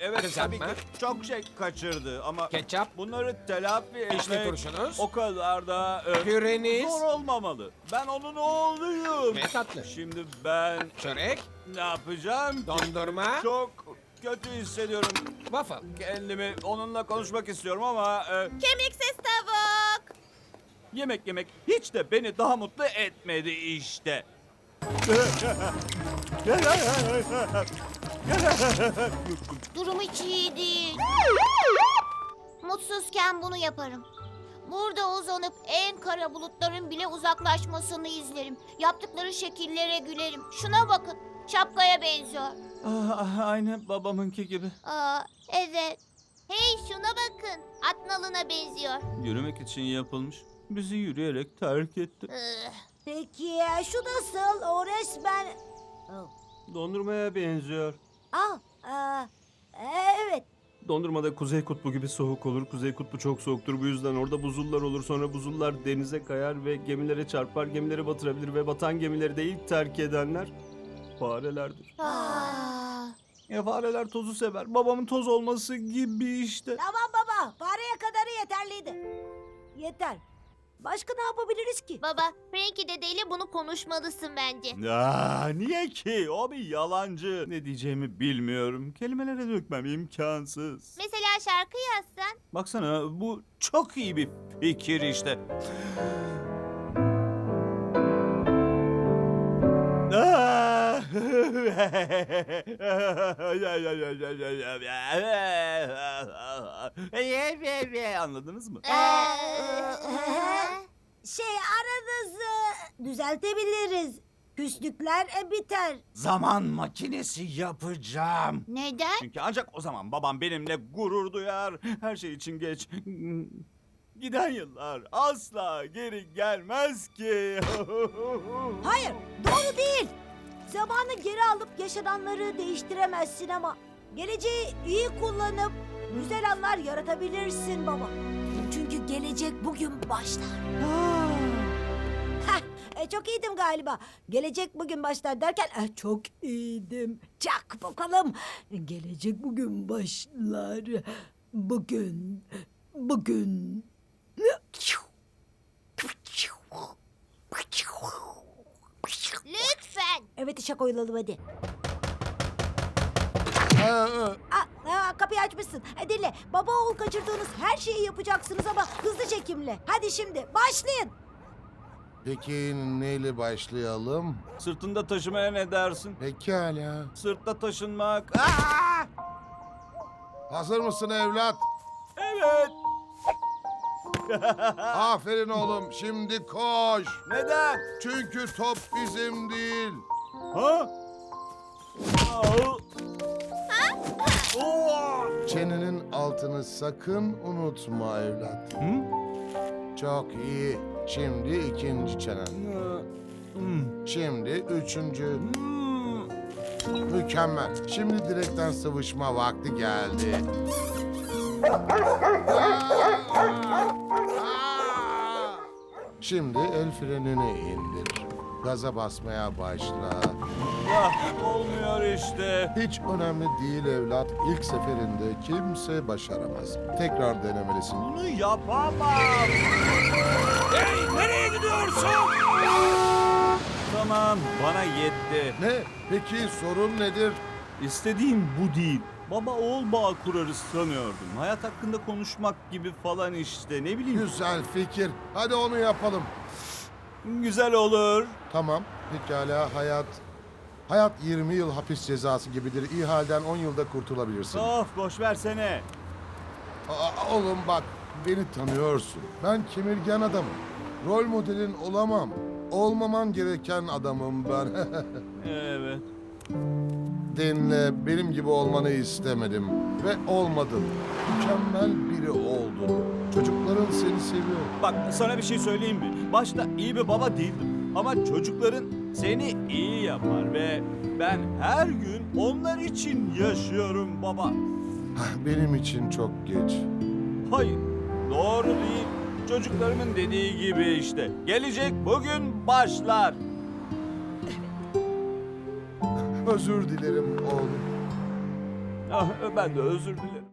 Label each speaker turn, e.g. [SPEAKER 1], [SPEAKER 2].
[SPEAKER 1] evet
[SPEAKER 2] Kızartma.
[SPEAKER 1] tabii ki çok şey kaçırdı ama
[SPEAKER 2] Ketçap.
[SPEAKER 1] bunları telafi
[SPEAKER 2] Vişne
[SPEAKER 1] etmek
[SPEAKER 2] turşunuz.
[SPEAKER 1] o kadar da
[SPEAKER 2] Püreniz.
[SPEAKER 1] zor olmamalı. Ben onun oğluyum.
[SPEAKER 2] Ve tatlı.
[SPEAKER 1] Şimdi ben
[SPEAKER 2] Çörek.
[SPEAKER 1] ne yapacağım?
[SPEAKER 2] Dondurma.
[SPEAKER 1] Çok kötü hissediyorum.
[SPEAKER 2] Waffle.
[SPEAKER 1] Kendimi onunla konuşmak istiyorum ama
[SPEAKER 3] Kemiksiz tavuk.
[SPEAKER 1] yemek hiç de beni daha mutlu etmedi işte.
[SPEAKER 3] Durum hiç iyi değil. Mutsuzken bunu yaparım. Burada uzanıp en kara bulutların bile uzaklaşmasını izlerim. Yaptıkları şekillere gülerim. Şuna bakın. Şapkaya benziyor.
[SPEAKER 1] Aynı babamınki gibi.
[SPEAKER 3] Aa, evet. Hey şuna bakın. At nalına benziyor.
[SPEAKER 1] Yürümek için yapılmış. Bizi yürüyerek terk etti.
[SPEAKER 4] Peki ya şu nasıl? O resmen...
[SPEAKER 1] Dondurmaya benziyor.
[SPEAKER 4] Evet.
[SPEAKER 1] Dondurmada Kuzey Kutbu gibi soğuk olur. Kuzey Kutbu çok soğuktur. Bu yüzden orada buzullar olur. Sonra buzullar denize kayar ve gemilere çarpar. Gemileri batırabilir ve batan gemileri de ilk terk edenler farelerdir. Fareler tozu sever. Babamın toz olması gibi işte.
[SPEAKER 4] Tamam baba. Fareye kadarı yeterliydi. Yeter. Başka ne yapabiliriz ki?
[SPEAKER 3] Baba, Frankie dedeyle bunu konuşmalısın bence.
[SPEAKER 1] Niye ki? O bir yalancı. Ne diyeceğimi bilmiyorum. Kelimelere dökmem imkansız.
[SPEAKER 3] Mesela şarkı yazsan.
[SPEAKER 1] Baksana bu çok iyi bir fikir işte. Anladınız mı?
[SPEAKER 4] Aranızı düzeltebiliriz. Küslükler biter.
[SPEAKER 1] Zaman makinesi yapacağım.
[SPEAKER 3] Neden?
[SPEAKER 1] Çünkü ancak o zaman babam benimle gurur duyar. Her şey için geç. Giden yıllar asla geri gelmez ki.
[SPEAKER 4] Hayır, doğru değil. Zamanı geri alıp yaşananları değiştiremezsin ama geleceği iyi kullanıp güzel anlar yaratabilirsin baba. Çünkü gelecek bugün başlar. Çok iyiydim galiba. Gelecek bugün başlar derken çok iyiydim. Çak bakalım. Gelecek bugün başlar. Bugün.
[SPEAKER 3] Lütfen.
[SPEAKER 4] Evet işe koyulalım hadi. Kapıyı açmışsın. Dinle. Baba oğul kaçırdığınız her şeyi yapacaksınız ama hızlı çekimle. Hadi şimdi başlayın.
[SPEAKER 5] Peki neyle başlayalım?
[SPEAKER 1] Sırtında taşımaya ne dersin?
[SPEAKER 5] Pekala.
[SPEAKER 1] Sırtta taşınmak.
[SPEAKER 5] Hazır mısın evlat?
[SPEAKER 1] Evet.
[SPEAKER 5] Aferin oğlum. Şimdi koş.
[SPEAKER 1] Neden?
[SPEAKER 5] Çünkü top bizim değil.
[SPEAKER 1] Ha?
[SPEAKER 5] Çenenin altını sakın unutma evlat. Çok iyi. Şimdi ikinci çenen. Şimdi üçüncü. Mükemmel. Şimdi direkten sıvışma vakti geldi. Şimdi el frenini indir. Gaza basmaya başla.
[SPEAKER 1] Olmuyor işte.
[SPEAKER 5] Hiç önemli değil evlat. İlk seferinde kimse başaramaz. Tekrar denemelisin.
[SPEAKER 1] Bunu yapamam. Hey, nereye gidiyorsun? Tamam, bana yetti.
[SPEAKER 5] Ne? Peki sorun nedir?
[SPEAKER 1] İstediğim bu değil. Baba oğul bağ kurarız sanıyordum. Hayat hakkında konuşmak gibi falan işte. Ne bileyim.
[SPEAKER 5] Güzel fikir. Hadi onu yapalım.
[SPEAKER 1] Güzel olur.
[SPEAKER 5] Tamam. Pekala Hayat 20 yıl hapis cezası gibidir. İyi halden 10 yılda kurtulabilirsin.
[SPEAKER 1] Of, boş versene.
[SPEAKER 5] Oğlum bak, beni tanıyorsun. Ben kemirgen adamım. Rol modelin olamam. Olmaman gereken adamım ben.
[SPEAKER 1] Evet.
[SPEAKER 5] Dinle, benim gibi olmanı istemedim. Ve olmadın. Mükemmel biri oldun. Çocukların seni seviyor.
[SPEAKER 1] Bak, sana bir şey söyleyeyim mi? Başta iyi bir baba değildim. Ama çocukların seni iyi yapar ve ben her gün onlar için yaşıyorum baba.
[SPEAKER 5] Benim için çok geç.
[SPEAKER 1] Hayır, doğru değil. Çocuklarımın dediği gibi işte. Gelecek bugün başlar.
[SPEAKER 5] Özür dilerim oğlum.
[SPEAKER 1] Ah, ben de özür dilerim.